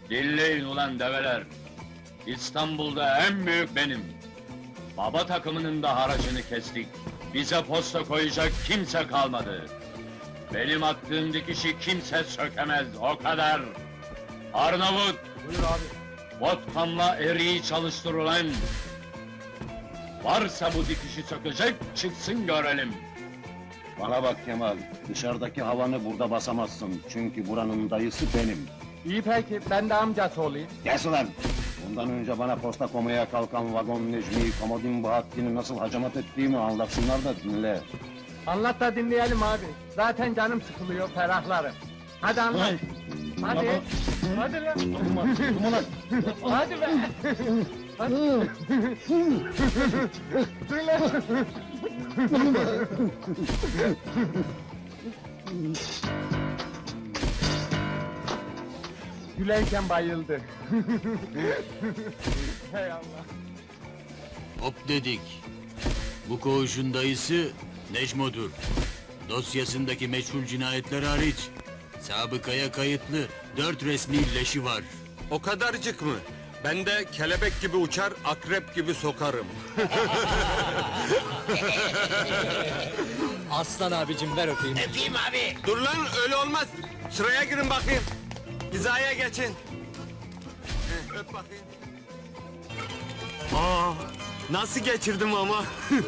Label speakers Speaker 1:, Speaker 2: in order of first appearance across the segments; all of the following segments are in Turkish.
Speaker 1: Dinleyin ulan develer! İstanbul'da en büyük benim! Baba takımının da haracını kestik. Bize posta koyacak kimse kalmadı. Benim attığım dikişi kimse sökemez, o kadar! Arnavut!
Speaker 2: Buyur abi.
Speaker 1: Vodkamla eriği çalıştır ulan! Varsa bu dikişi sökecek, çıksın görelim!
Speaker 3: Bana bak Kemal, dışarıdaki havanı burada basamazsın. Çünkü buranın dayısı benim.
Speaker 2: İyi peki, ben de amcası olayım.
Speaker 3: Kes ulan! Bundan önce bana posta komaya kalkan vagon Necmi'yi, Komodin Bahattin'i nasıl hacamat ettiğimi anlatsınlar da dinle.
Speaker 2: Anlat da dinleyelim abi. Zaten canım sıkılıyor, ferahlarım. Hadi anlat. Hadi. Hadi lan. Hadi be. Hadi. Dur lan. Gülerken bayıldı. Hay Allah.
Speaker 4: Hop dedik. Bu koğuşun dayısı Necmo'dur. Dosyasındaki meçhul cinayetler hariç sabıkaya kayıtlı 4 resmi leşi var.
Speaker 5: O kadarcık mı? Ben de kelebek gibi uçar, akrep gibi sokarım.
Speaker 6: Aslan abicim ver öpeyim.
Speaker 4: Öpeyim abi.
Speaker 5: Dur lan, öyle olmaz. Sıraya girin bakayım. Hizaya geçin. Öp bakayım. Aa, nasıl geçirdim ama?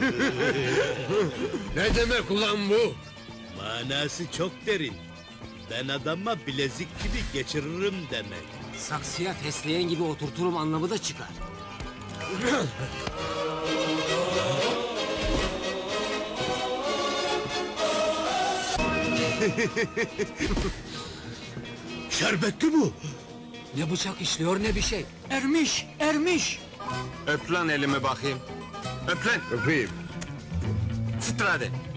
Speaker 7: Ne demek ulan bu? Manası çok derin. Ben adama bilezik gibi geçiririm demek.
Speaker 6: Saksıya fesleğen gibi oturturum anlamı da çıkar.
Speaker 7: Şerbetli bu.
Speaker 6: Ne bıçak işliyor ne bir şey. Ermiş, ermiş.
Speaker 5: Öp lan elimi bakayım. Öp lan.
Speaker 7: Öpeyim.
Speaker 5: Sıtır hadi.